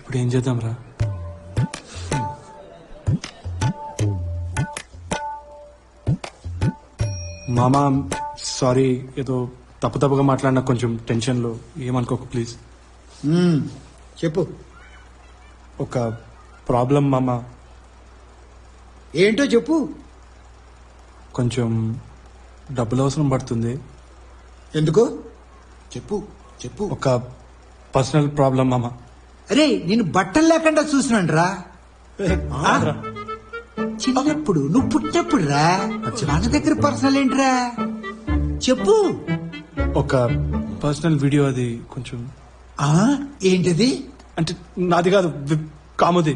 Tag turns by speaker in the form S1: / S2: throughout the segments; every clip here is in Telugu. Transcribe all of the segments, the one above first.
S1: ఇప్పుడు ఏం చేద్దాం రా? మామా సారీ, ఏదో తప్పుగా మాట్లాడినా, కొంచెం టెన్షన్లో, ఏమనుకోకు ప్లీజ్.
S2: చెప్పు.
S1: ఒక ప్రాబ్లం మామా.
S2: ఏంటో చెప్పు.
S1: కొంచెం డబ్బులు అవసరం పడుతుంది.
S2: ఎందుకు?
S3: చెప్పు చెప్పు.
S1: ఒక పర్సనల్ ప్రాబ్లం మామా.
S2: అరే నేను బట్టలు లేకుండా చూసినాను రా. చిన్నప్పుడు నువ్వు పుట్టినప్పుడు రా. మన దగ్గర పర్సనల్ ఏంట్రా? చెప్పు.
S1: ఒక పర్సనల్ వీడియో, అది కొంచెం.
S2: ఏంటది?
S1: అంటే నాది కాదు, కాముది.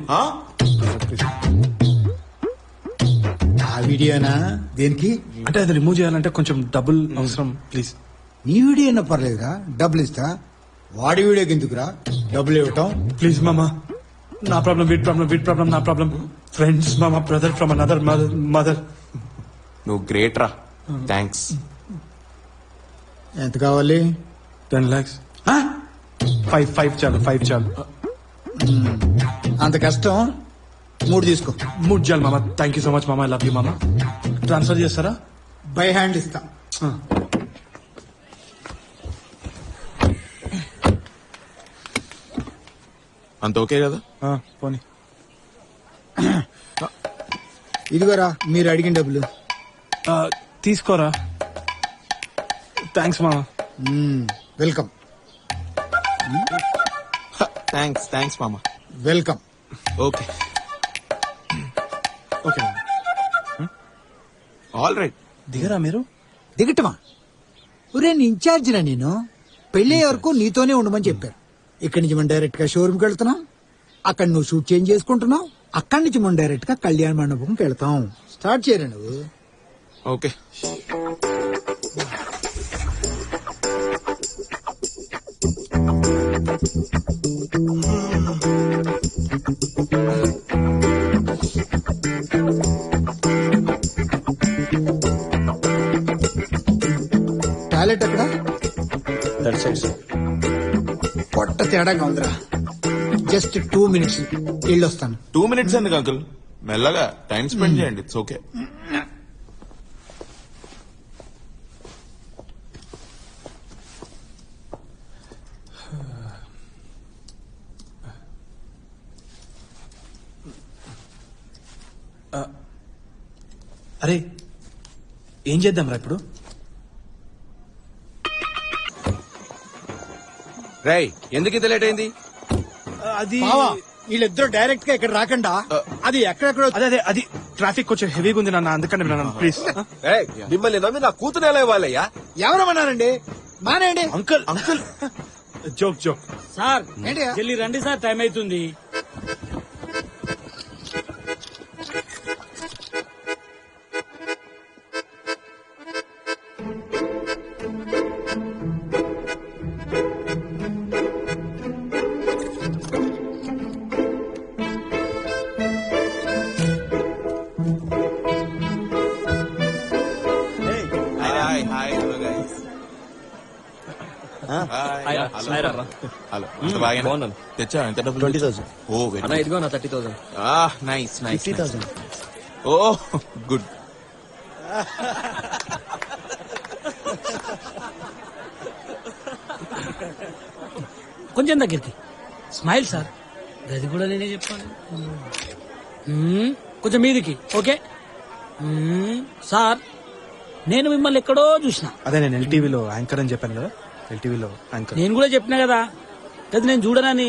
S2: ఆ వీడియోనా? దేనికి?
S1: అంటే అది రిమూవ్ చేయాలంటే కొంచెం డబ్బులు అవసరం ప్లీజ్.
S2: నీ వీడియో అయినా పర్లేదురా, డబ్బులు ఇస్తా. వాడి వీడియోకి ఎందుకురా డబ్బులు ఇవ్వటం?
S1: ప్లీజ్ మామా, నా ప్రాబ్లం వీడి ప్రాబ్లం నా ప్రాబ్లం. ఫ్రెండ్స్ మామా, బ్రదర్ ఫ్రమ్ అనదర్ మదర్.
S3: నువ్వు గ్రేట్ రా. థ్యాంక్స్.
S2: ఎంత కావాలి?
S1: 10 lakhs. 5 చాలు, 5 చాలు.
S2: అంత కష్టం. 3 తీసుకో.
S1: 3 చాలు మామా. థ్యాంక్ యూ సో మచ్ మామా, ఐ లవ్ యూ మామా. ట్రాన్స్ఫర్ చేస్తారా?
S2: బై హ్యాండ్ ఇస్తా.
S3: అంత ఓకే కదా?
S1: పోనీ.
S2: ఇదిగోరా మీరు అడిగిన డబ్బులు.
S1: తీసుకోరా. థ్యాంక్స్ మామా.
S2: వెల్కమ్.
S3: థ్యాంక్స్ మామ.
S2: Welcome.
S3: Okay
S1: okay
S3: all right.
S1: దిగరా మీరు.
S2: దిగటమా? ఒరే నీ ఇన్ఛార్జినా నేను. పెళ్లి వరకు నీతోనే ఉండమని చెప్పారు. ఇక్కడి నుంచి మనం డైరెక్ట్ గా షోరూమ్కి వెళ్తున్నాం. అక్కడ నువ్వు షూట్ చేంజ్ చేసుకుంటున్నావు. అక్కడి నుంచి మనం డైరెక్ట్ గా కళ్యాణ మండపంకి వెళ్తాం. స్టార్ట్ చేయరా నువ్వు.
S3: ఓకే.
S2: టాయిలెట్ ఎక్కడ? పొట్ట తేడాగా ఉందిరా. జస్ట్ 2 minutes వెళ్ళొస్తాను.
S3: 2 minutes ఎందుకు అంకుల్? మెల్లగా టైం స్పెండ్ చేయండి. It's okay.
S1: అరే ఏం చేద్దాం రా ఇప్పుడు?
S4: రేయ్ ఎందుకు ఇంత లేట్ అయింది?
S1: అది
S2: వీళ్ళిద్దరు డైరెక్ట్ గా ఇక్కడ రాకుండా అది ఎక్కడెక్కడ.
S1: అదే అది ట్రాఫిక్ కొంచెం హెవీగా ఉంది నాన్న, అందుకని ప్లీజ్.
S4: రేయ్ మిమ్మల్ని నమ్మి నా కూతురు ఎలా ఇవ్వాలయ్యా?
S2: ఎవరమన్నారండి? మానేయండి.
S1: Uncle joke.
S5: సార్
S2: ఏంటి?
S5: జల్లి రండి సార్, టైం అవుతుంది.
S3: Hi hello guys. హలో.
S4: బాగున్నాను.
S3: తెచ్చా? ఎంత డబ్బులు?
S4: 20,000.
S3: ఓ వెరీ
S4: అన్న ఇదిగో నా 30,000.
S3: నైస్.
S4: 50,000.
S3: Oh good.
S5: కొంచెం దగ్గరికి స్మైల్ సార్. గది కూడా నేనే చెప్పాను. కొంచెం మీదికి. ఓకే సార్, నేను మిమ్మల్ని ఎక్కడో చూసిన.
S1: అదే నేను ఎల్టీవీలో యాంకర్ అని చెప్పాను కదా. ఎల్టీవీలో యాంకర్.
S5: నేను కూడా చెప్పినా కదా, అది నేను చూడనని.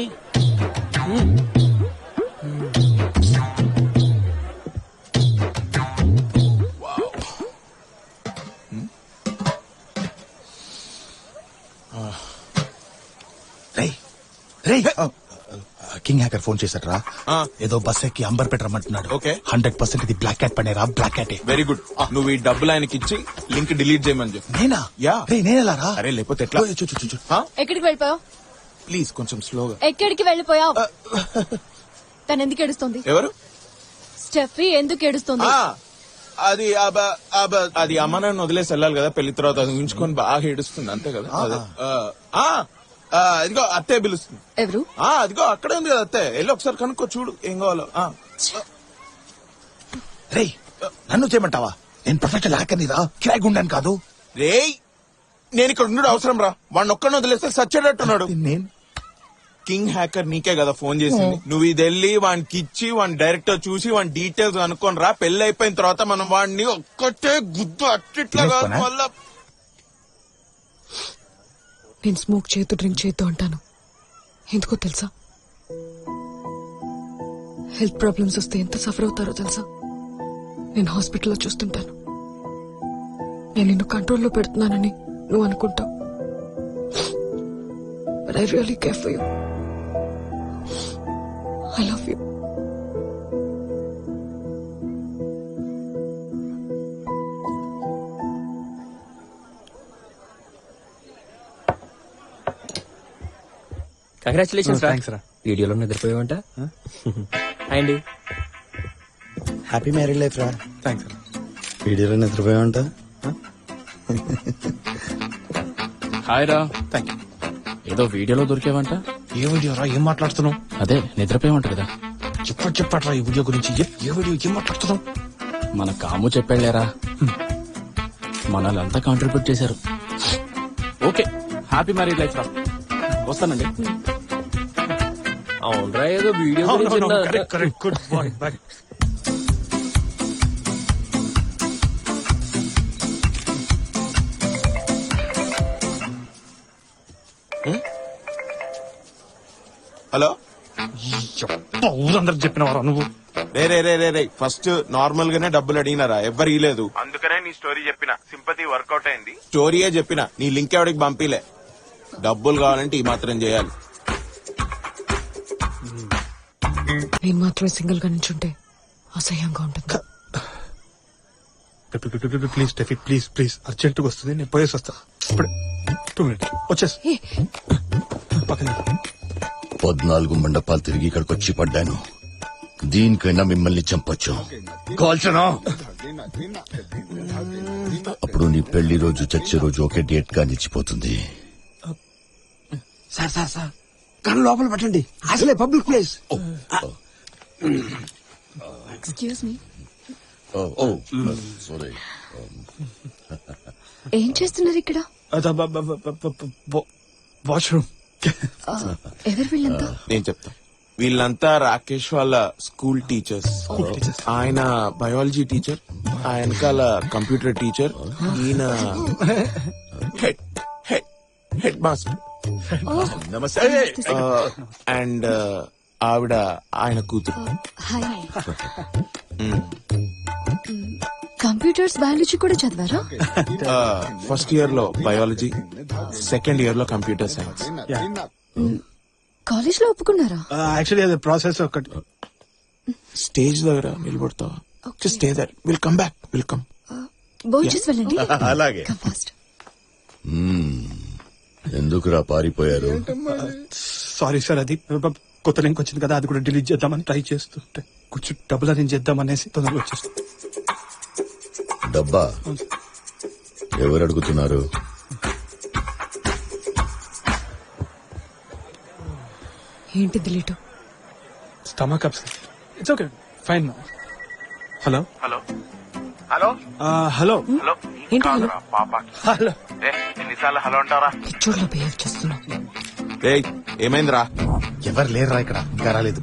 S6: కింగ్ హ్యాకర్ ఫోన్ చేశాడ్రా. ఏదో బస్ ఎక్కి అంబర్పేట రమ్మంటున్నాడు.
S3: ఓకే.
S6: 100% ఇది బ్లాక్ క్యాట్ పనేరా. బ్లాక్ క్యాటే.
S3: Very good. నువ్వు ఈ డబ్బులు ఆయనకి ఇచ్చి లింక్ డిలీట్ చేయమని చెప్పు.
S6: నేనా?
S3: యా.
S6: నేనెలా రా?
S3: అరే లేకపోతే ఎట్లా?
S7: ఎక్కడికి వెళ్ళిపోయావు?
S3: ప్లీజ్ కొంచెం స్లోగా.
S7: ఎక్కడికి వెళ్ళిపోయావు? తను ఎందుకు ఏడుస్తుంది?
S3: ఎవరు?
S7: స్టెఫీ ఎందుకు ఏడుస్తుంది?
S3: అది అమ్మ నన్ను వదిలేసి వెళ్ళాలి కదా పెళ్లి తర్వాత. అది ఉంచుకొని బాగా ఏడుస్తుంది అంతే కదా. అదిగో అత్తే పిలుస్తుంది.
S7: ఎవరు?
S3: అదిగో అక్కడే ఉంది కదా అత్తే, వెళ్ళి ఒకసారి కనుక్కో చూడు ఏం కావాలో.
S6: రేయ్ నన్ను చేయమంటావా? నేను ప్రొఫెషనల్ హ్యాకర్ని రా, కిరాయి గుండాను కాదు.
S3: రేయ్ నేను ఇక్కడ ఉండడు అవసరం రా, వాడిని ఒక్కడిని వదిలేస్తే సచ్చేటట్టున్నాడు.
S6: నేను
S3: కింగ్ హ్యాకర్ నీకే కదా ఫోన్ చేసింది. నువ్వు ఇది వెళ్ళి వానికి ఇచ్చి వాడిని డైరెక్టర్ చూసి వాడి డీటెయిల్స్ అనుకోని రా. పెళ్లి అయిపోయిన తర్వాత మనం వాడిని ఒక్కటే గుద్దు అట్టిట్లా కాదు మళ్ళా.
S7: నేను స్మోక్ చేయొద్దు, డ్రింక్ చేయొద్దు అంటాను. ఎందుకో తెలుసా? హెల్త్ ప్రాబ్లమ్స్ వస్తే ఎంత సఫర్ అవుతారో తెలుసా? నేను హాస్పిటల్లో చూస్తుంటాను. నేను నిన్ను కంట్రోల్లో పెడుతున్నానని నువ్వు అనుకుంటావు, but I really care for you. I love you.
S4: Congratulations
S1: thanks రా.
S4: వీడియోలో నిద్రపోయావంట. అండి
S8: హ్యాపీ మ్యారీడ్ లైఫ్ రా.
S1: థ్యాంక్స్ రా.
S8: వీడియోలో నిద్రపోయావంట.
S5: హాయ్ రా.
S1: Thank you.
S5: ఏదో వీడియోలో దొరికేవంట.
S6: ఏ వీడియో రా, ఏం మాట్లాడుతున్నావు?
S5: అదే నిద్రపోయామంట కదా.
S6: చెప్పట్రా ఈ వీడియో గురించి. ఏ వీడియో, ఏం మాట్లాడుతున్నావు?
S5: మన కాము చెప్పాళ్లేరా, మనల్ంతా కాంట్రిబ్యూట్ చేశారు. ఓకే, హ్యాపీ మ్యారీడ్ లైఫ్ రా. వస్తానండి.
S4: అవునరా, ఏదో వీడియో గురించి విన్నా.
S1: Correct good bye bye.
S3: Hello.
S1: ఊరందరికి చెప్పినవారా నువ్వు?
S3: రే ఫస్ట్ నార్మల్ గానే డబ్బులు అడిగినారా, ఎవ్వరు ఇలేదు. అందుకనే నీ స్టోరీ చెప్పిన, సింపతి వర్కౌట్ అయింది. స్టోరీయే చెప్పిన, నీ లింక్ ఎవరికి పంపిలే. డబ్బులు కావాలంటే ఈ మాత్రం చేయాలి.
S7: నేను మాత్రమే సింగిల్ గా నించుంటే అసహ్యంగా ఉంటుంది.
S1: ప్లీజ్ స్టెఫీ, ప్లీజ్ ప్లీజ్, అర్జెంటుగా వస్తుంది, నేను పోయేసి వస్తా ఇప్పుడే. 2 minutes వచ్చేసి పక్కన.
S9: 14 మండపాలు తిరిగి ఇక్కడికి వచ్చి పడ్డాను. దీనికైనా మిమ్మల్ని చంపొచ్చు. కాల్చనా? అప్పుడు నీ పెళ్లి రోజు చచ్చే రోజు ఒకే డేట్ గా నిలిచిపోతుంది.
S2: సార్ సార్ సార్, కళ్ళు లోపల పెట్టండి, అసలే public place.
S7: Excuse me.
S9: Sorry.
S7: ఏం చేస్తున్నారు ఇక్కడ?
S1: వాష్రూమ్.
S7: ఎవరు వీళ్ళంతా?
S3: నేను చెప్తా. వీళ్ళంతా రాకేష్ వాళ్ళ స్కూల్ టీచర్స్. ఆయన బయాలజీ టీచర్, ఆయనకాల కంప్యూటర్ టీచర్, ఈయన హెడ్ మాస్టర్.
S9: నమస్తే.
S3: అండ్ ఆవిడ ఆయన కూతురు.
S7: హాయ్. కంప్యూటర్స్ బయాలజీ కూడా చదివారా?
S3: ఫస్ట్ ఇయర్ లో బయాలజీ, సెకండ్ ఇయర్ లో కంప్యూటర్ సైన్స్.
S7: కాలేజ్ లో ఒప్పుకున్నారా?
S1: యాక్చువల్లీ అది ప్రాసెస్ ఒకటి.
S3: స్టేజ్ దగ్గర నిలబడతావా? Just stay there, will come back, will come.
S7: భోంచేసి వెళ్ళండి.
S9: అలాగే.
S7: Come fast.
S9: ఎందుకురా పారిపోయారు?
S1: సారీ సార్, అది కొత్త లింక్ వచ్చింది కదా, అది కూడా డిలీట్ చేద్దామని ట్రై చేస్తుంటే కొంచెం డబ్బులు అరేంజ్ చేద్దామనేసి తొందరగా వచ్చేసి.
S9: డబ్బా ఎవరు అడుగుతున్నారు?
S7: ఏంటి delete?
S1: Stomach upset. It's okay, fine. Hello
S3: hello hello
S1: hello
S7: ఏంటి హలో?
S1: హలో.
S3: ఎన్నిసార్లు హలో అంటారా?
S7: పిచ్చోడ్లో బిహేవ్ చేస్తున్నావు.
S3: ఏమైందిరా?
S6: ఎవరు లేరురా ఇక్కడ, ఇంకా రాలేదు.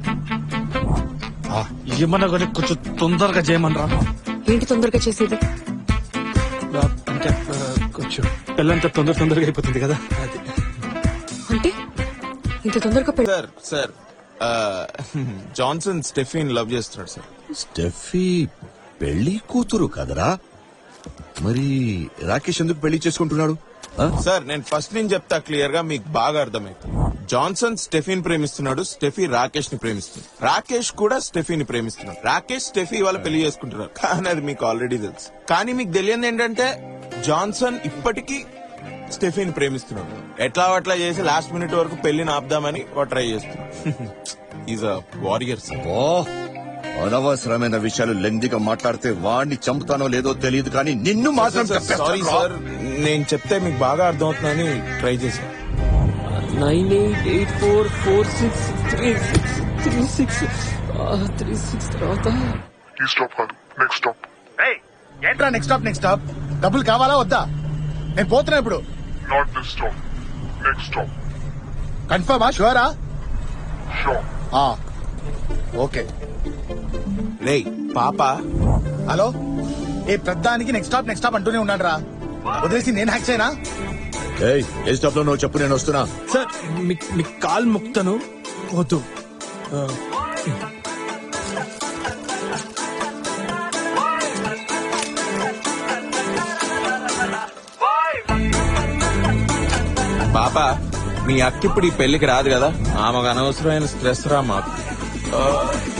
S1: ఏమన్నా కానీ కొంచెం తొందరగా చేయమనరా.
S7: ఏంటి తొందరగా చేసేది?
S1: అంటే కొంచెం పెళ్ళంతా తొందరగా అయిపోతుంది కదా, అది.
S7: అంటే ఇంత తొందరగా పెళ్లి?
S3: సార్ సార్, జాన్సన్ స్టెఫీన్ లవ్ చేస్తున్నాడు సార్.
S9: స్టెఫీ పెళ్లి కూతురు కదరా? మరి రాకేష్ ఎందుకు పెళ్లి చేసుకుంటున్నాడు?
S3: సార్ నేను ఫస్ట్ నుంచి చెప్తా క్లియర్ గా, మీకు బాగా అర్థమైంది. జాన్సన్ స్టెఫీన్ ప్రేమిస్తున్నాడు, స్టెఫీ రాకేష్ ని ప్రేమిస్తున్నాడు, రాకేష్ కూడా స్టెఫీని ప్రేమిస్తున్నాడు. రాకేష్ స్టెఫీ వాళ్ళ పెళ్లి చేసుకుంటున్నారు, కానీ అది మీకు ఆల్రెడీ తెలుసు. కానీ మీకు తెలియదు ఏంటంటే జాన్సన్ ఇప్పటికీ స్టెఫీని ప్రేమిస్తున్నాడు. ఎట్లా అట్లా చేసి లాస్ట్ మినిట్ వరకు పెళ్లిని ఆపుదామని ట్రై చేస్తున్నాడు. Is a warrior sir.
S9: ఓ అనవసరమైన విషయాలు లెంగ్దిగా మాట్లాడితే వాడిని చంపుతానో లేదో తెలియదు, కానీ నిన్ను మాత్రం
S3: సారీ సార్, నేను చెప్తే మీకు బాగా అర్థమవుతుందని ట్రై చేశాను.
S4: 9884463636 తర్వాత
S10: ఈ స్టాప్ కాదు నెక్స్ట్ స్టాప్.
S6: ఏంట్రా నెక్స్ట్ స్టాప్ డబ్బులు కావాలా వద్దా? నేను పోతున్నా ఇప్పుడు.
S10: Not this stop, next stop.
S6: కన్ఫర్మా? షూరా?
S10: షూర్.
S6: ఓకే.
S3: రే పాప
S6: హలో, ఏ ప్రధానికి నెక్స్ట్ స్టాప్ అంటూనే ఉన్నాడు రా. వదిలేసి నేను హ్యాక్ చేయనా?
S9: ఏయ్, ఏ స్టాప్ లో నువ్వు చెప్పు, నేను వస్తున్నా.
S1: సార్ మీ కాల్ ముక్తను వద్దు.
S3: పాప మీ అక్క ఇప్పుడు ఈ పెళ్లికి రాదు కదా, ఆమెకు అనవసరమైన స్ట్రెస్ రా మాకు.